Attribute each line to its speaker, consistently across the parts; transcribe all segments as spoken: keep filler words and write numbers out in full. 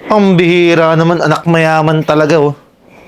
Speaker 1: Ang bihira naman, anak mayaman talaga, oh.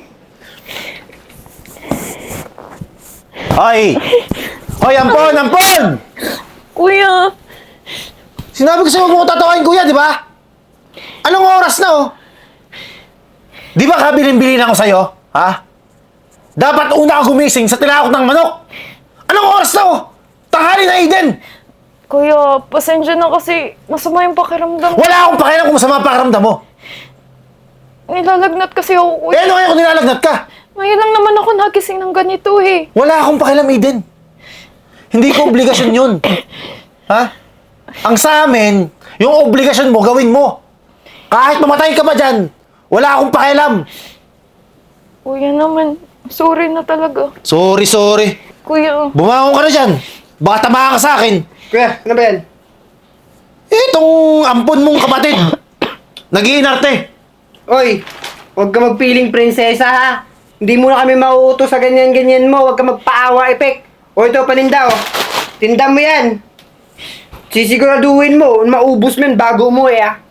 Speaker 1: Hoy! Hoy, ampon, ampon!
Speaker 2: Kuya!
Speaker 1: Sinabi ko sa'yo huwag mo ko tatawain, kuya, di ba? Anong oras na, oh? Di ba kabilin-bilin ako sa'yo? Ha? Dapat una ka gumising sa tinakot ng manok! Anong oras na, oh? Tanghali na, Eden!
Speaker 2: Kuya, pasensya na kasi masama yung pakiramdam.
Speaker 1: Wala akong pakialam kung masama ang pakiramdam mo!
Speaker 2: Nilalagnat kasi ako,
Speaker 1: Eh,
Speaker 2: kuya.
Speaker 1: ano kaya kung nilalagnat ka?
Speaker 2: Ngayon lang naman ako nagising ng ganito eh.
Speaker 1: Wala akong pakialam, Eden. Hindi ko obligasyon yun. Ha? Ang sa amin, yung obligasyon mo, gawin mo. Kahit mamatay ka pa dyan, wala akong pakialam.
Speaker 2: Kuya naman, sorry na talaga.
Speaker 1: Sorry, sorry.
Speaker 2: Kuya,
Speaker 1: Bumangon ka na dyan. Baka tamaan ka sa akin.
Speaker 3: Kuya, ano ba yan?
Speaker 1: Itong ampon mong kapatid, nag-iinarte.
Speaker 3: Oy, huwag ka magpiling prinsesa ha. Hindi mo na kami mauutos sa ganyan-ganyan mo. Huwag ka magpaawa, Epek. O ito, paninda o. Tinda mo yan. Sisiguraduhin mo, maubos mo yan bago umuwi ah.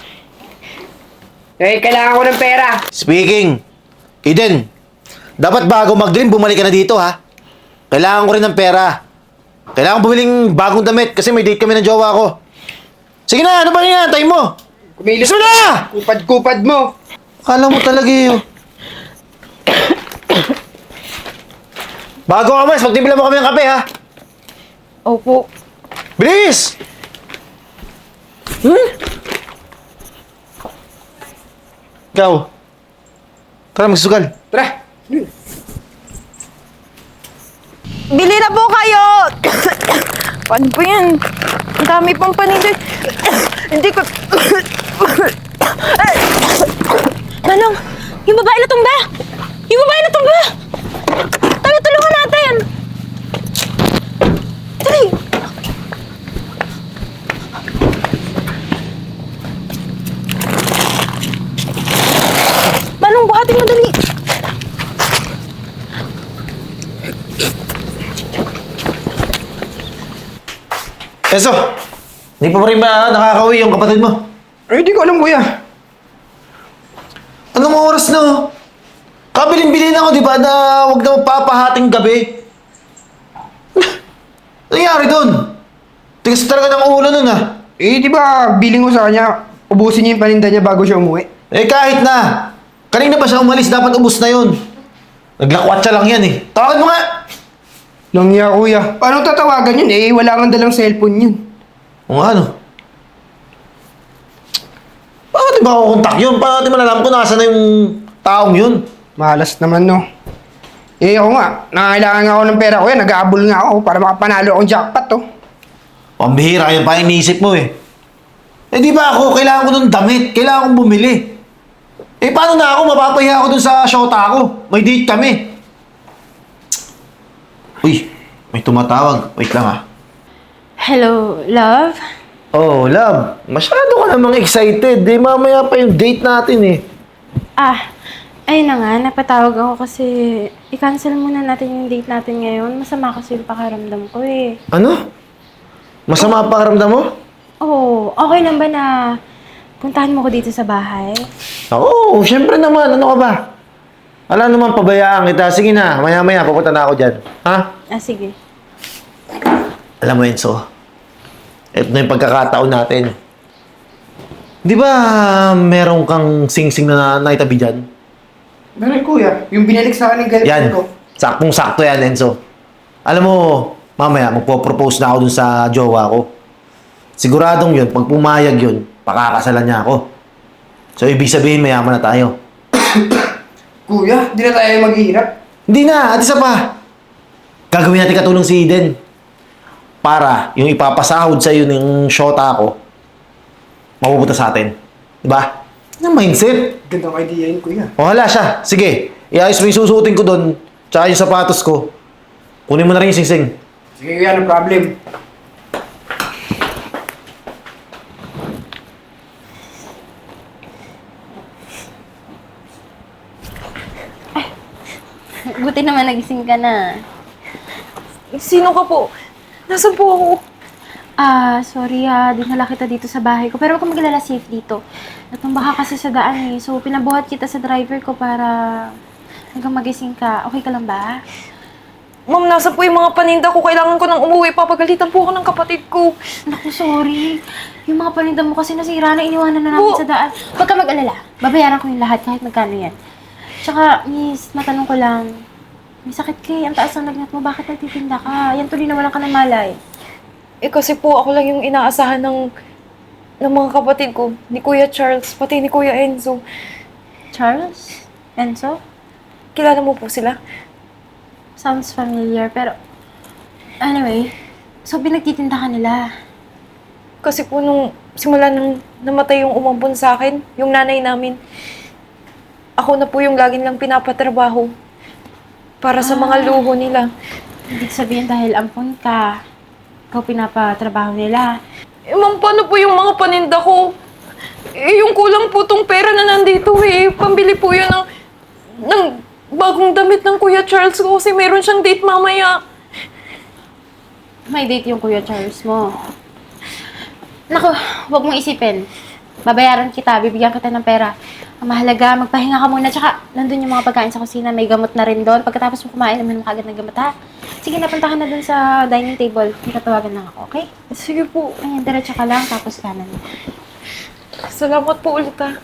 Speaker 3: Eh, kailangan ko ng pera.
Speaker 1: Speaking, Eden, dapat bago mag-dream, bumalik ka na dito, ha? Kailangan ko rin ng pera. Kailangan bumiling bagong damit kasi may date kami ng jowa ko. Sige na, ano ba yan? Tayo mo!
Speaker 3: Kumilos
Speaker 1: Gusto na!
Speaker 3: Kupad-kupad mo.
Speaker 1: Akala mo talaga yun. Bago ka mas, magtimpla mo kami ng kape, ha?
Speaker 2: opo.
Speaker 1: Bilis! Hmm? Ikaw. Tara, magsusugal.
Speaker 3: Tara.
Speaker 2: Bili na po kayo! Paano po yan? Ang dami pang paninda. Hindi ko...
Speaker 4: Manong, yung babae na tumba! Yung babae na tumba! Tayo, tulungan natin! Dali! Manong, buhatin mo dali!
Speaker 1: Enzo! Hindi pa rin ba nakakauwi yung kapatid mo?
Speaker 3: Ay, hindi ko alam, kuya.
Speaker 1: Anong oras na? oh? Kabilin-bilin ako, di ba, na huwag na magpapahating gabi. Ano nangyari doon? Tigas talaga ng ulo nun, ah.
Speaker 3: Eh, di ba, biling ko sa kanya, ubusin niya yung paninda niya bago siya umuwi.
Speaker 1: Eh, kahit na. Kanina pa siya umalis, dapat ubus na yun. Naglakwatsa lang yan, eh. Tawagin mo nga!
Speaker 3: Langya, kuya. Paano tatawagan yun? Eh, wala nga dalang cellphone yun.
Speaker 1: O nga, ano? Bakit di ba ako kontak yun? Paano di malalaman ko nasa na yung taong yun?
Speaker 3: Malas naman, no? Eh, ako nga. Nangailangan nga ako ng pera ko yan. Nag-aabol nga ako para makapanalo akong jackpot, to.
Speaker 1: Pambihira, yun pa iniisip mo, eh. Eh, di ba ako? Kailangan ko ng damit. Kailangan kong bumili. Eh, paano na ako? Mapapahiya ako dun sa shota ko. May date kami. Uy, may tumatawag. Wait lang, ah.
Speaker 4: Hello, love?
Speaker 1: Oh, love. Masyado ka namang excited. Eh, mamaya pa yung date natin, eh.
Speaker 4: Ah, ayun na nga, napatawag ako kasi i-cancel muna natin yung date natin ngayon. Masama kasi yung pakiramdam ko eh.
Speaker 1: Ano? Masama ang pakiramdam mo?
Speaker 4: Oh, okay lang ba na puntahan mo ko dito sa bahay?
Speaker 1: Oo, syempre naman. Ano ka ba? Wala naman pabayaan kita. Sige na, maya-maya, pupunta na ako dyan. Ha?
Speaker 4: Ah, sige.
Speaker 1: Alam mo, Enzo, ito na yung pagkakataon natin. Di ba meron kang sing-sing na naitabi dyan?
Speaker 3: Ganun, kuya. Yung binalik sa akin ng
Speaker 1: Yan.
Speaker 3: girlfriend ko.
Speaker 1: Saktong-sakto yan, Enzo. Alam mo, mamaya, magpo-propose na ako dun sa jowa ko. Siguradong yun, pag pumayag yun, pakakasalan niya ako. So, ibig sabihin, mayaman na tayo.
Speaker 3: Kuya, di na tayo maghihirap.
Speaker 1: Hindi na, at isa pa. Gagawin natin katulong si Eden. Para yung ipapasahod sa iyo ng shota ko, mapupunta sa atin. Diba? Yung mindset.
Speaker 3: Gandang idea yun, kuya.
Speaker 1: O hala siya. Sige, iayos mo yung susuotin ko doon, tsaka yung sapatos ko. Kunin mo na rin yung sing-sing.
Speaker 3: Sige, kuya, no problem.
Speaker 4: Buti naman nagising ka na.
Speaker 2: Sino ka po? Nasaan po ako?
Speaker 4: Ah, sorry ha, dinala kita dito sa bahay ko. Pero huwag kang maglala, safe dito. Natumba ka kasi sa daan eh. So, pinabuhat kita sa driver ko para hanggang magising ka. Okay ka lang ba?
Speaker 2: Ma'am, nasa po yung mga paninda ko. Kailangan ko nang umuwi. Papagalitan po ako ng kapatid ko.
Speaker 4: Naku, sorry. Yung mga paninda mo kasi nasira na, iniwanan na namin
Speaker 2: Po.
Speaker 4: sa daan. Huwag ka mag-alala. Babayaran ko yung lahat kahit magkano yan. Tsaka, miss, matanong ko lang. May sakit ka eh. Ang taas ng lagnat mo. Bakit nagtitinda ka? Yan tuloy na walang ka ng malay.
Speaker 2: Eh kasi po ako lang yung inaasahan ng, ng mga kapatid ko. Ni Kuya Charles, pati ni Kuya Enzo.
Speaker 4: Charles? Enzo?
Speaker 2: Kilala mo po sila?
Speaker 4: Sounds familiar, pero... Anyway, so pinagtitinda ka nila.
Speaker 2: Kasi po nung simula nung namatay yung umampon sa akin, yung nanay namin, ako na po yung laging lang pinapatrabaho para sa mga luho nila.
Speaker 4: Ibig sabihin dahil ampon ka, ikaw pinapatrabaho nila.
Speaker 2: Eh, ma'am, paano po yung mga paninda ko? Eh, yung kulang po tong pera na nandito eh. Pambili po yun ng, ng bagong damit ng Kuya Charles ko kasi meron siyang date mamaya.
Speaker 4: May date yung Kuya Charles mo. Naku, huwag mong isipin. Babayaran kita, bibigyan kita ng pera. Ang mahalaga, magpahinga ka muna. Tsaka, nandun yung mga pagkain sa kusina. May gamot na rin doon. Pagkatapos mo kumain, naman mo kagad ng gamot, ha? Sige, napunta ka na dun sa dining table. May tatawagan lang ako, okay?
Speaker 2: Sige po.
Speaker 4: Ayan, diretso ka lang, tapos kanan.
Speaker 2: Salamat po ulit ah.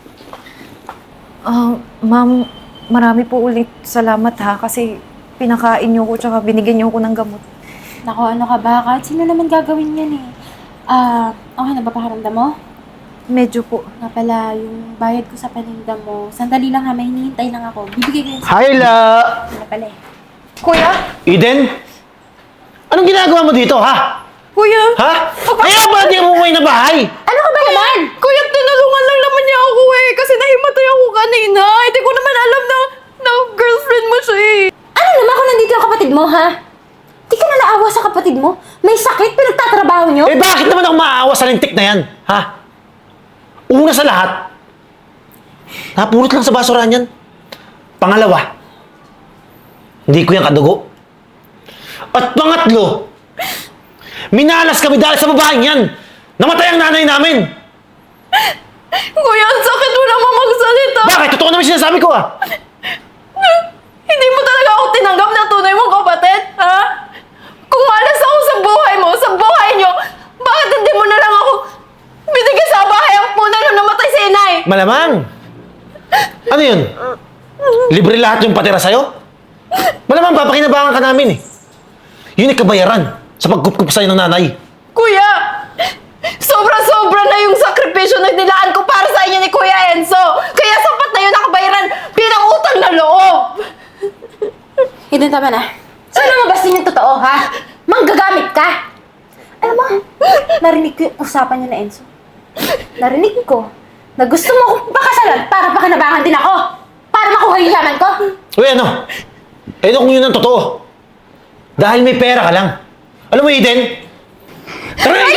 Speaker 2: Ah, ma'am, marami po ulit salamat ha kasi pinakain niyo ko tsaka binigyan niyo ko ng gamot.
Speaker 4: Naku, ano ka ba? Kahit sino naman gagawin yan eh. Ah, okay na ba pakiramdam mo?
Speaker 2: Medyo po.
Speaker 4: Nga pala, yung bayad ko sa paninda mo, sandali lang ha, may hinihintay lang ako. Bibigay ko yun sa
Speaker 1: Hi, La!
Speaker 4: na pala eh.
Speaker 2: Kuya?
Speaker 1: Eden? Anong ginagawa mo dito, ha?
Speaker 2: Kuya?
Speaker 1: Ha? Kaya ba di mo umuwi na bahay?
Speaker 4: Ano ka ba naman?
Speaker 2: Kuya, tinulungan lang naman niya ako eh kasi nahimatay ako kanina. Hindi ko naman alam na, na girlfriend mo siya eh.
Speaker 4: Ano naman kung nandito yung kapatid mo, ha? Di ka na naawa sa kapatid mo? May sakit, pinagtatrabaho nyo?
Speaker 1: Eh bakit naman ako maaawa sa lintik na yan, ha? Una sa lahat, napulot lang sa basurahan yan. Pangalawa, hindi ko yan kadugo. At pangatlo, minalas kami dahil sa babaeng yan. Namatay ang nanay namin.
Speaker 2: Kuya, ang sakit mo naman magsalita.
Speaker 1: Bakit? Totoo naman sinasabi ko, ah.
Speaker 2: Hindi mo talaga ako tinanggap na tunay mong kapatid, ha? Kung malas ako sa buhay mo, sa buhay niyo, bakit hindi mo na lang ako binigyan sa bahay ang muna nung namatay si inay?
Speaker 1: Malamang. Ano yun? Libre lahat yung patira sa'yo? Malamang papakinabangan ka namin, eh. Yun ay kabayaran sa pagkup-kup sa'yo ng nanay.
Speaker 2: Kuya! Sobra-sobra na yung sakripisyo na nilaan ko para sa inyo ni Kuya Enzo! Kaya sapat na yun nakabayaran bilang utang na loob!
Speaker 4: Eden, tama na. Sana mabas din yung totoo, ha? Manggagamit ka! Alam mo, narinig ko yung usapan niyo na Enzo. Narinig ko na gusto mo akong pakasalan para pakinabangan din ako. Para makuha yung yaman ko.
Speaker 1: Uy, ano? Eh, ano kung yun ang totoo? Dahil may pera ka lang. Alam mo, Eden? Tara na!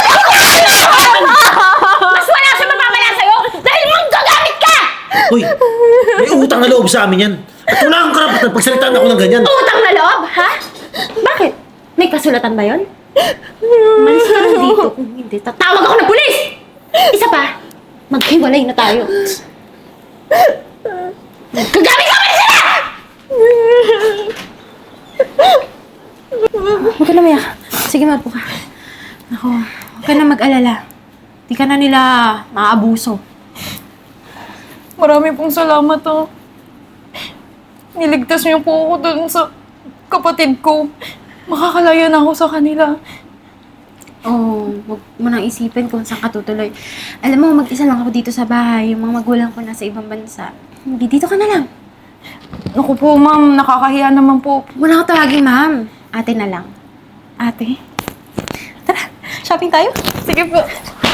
Speaker 4: Mas wala siya mapapala sa'yo dahil manggagamit ka!
Speaker 1: Uy, may utang na loob sa amin yan. At wala akong karapatan pagsalitaan ako ng ganyan.
Speaker 4: Utang na loob, ha? Bakit? May kasulatan ba yun? Malis ka lang dito. Kung hindi, tatawag ako ng pulis! Isa pa, maghiwalay na tayo. Gagamit ka pa rin sila! Huwag ka na mayak. Sige, mapo ka. Ako, huwag ka na mag-alala. Di ka na nila maaabuso.
Speaker 2: Marami pong salamat, oh. Niligtas niyo po ako dun sa kapatid ko. Makakalaya na ako sa kanila.
Speaker 4: Oo, oh, huwag mo nang isipin kung saan ka tutuloy. Alam mo, mag-isa lang ako dito sa bahay. Yung mga magulang ko nasa ibang bansa. Hindi, dito ka na lang.
Speaker 2: Naku po, ma'am. Nakakahiya naman po.
Speaker 4: Wala ko tawagin, ma'am. Ate na lang. Ate? Tara, shopping tayo?
Speaker 2: Sige po.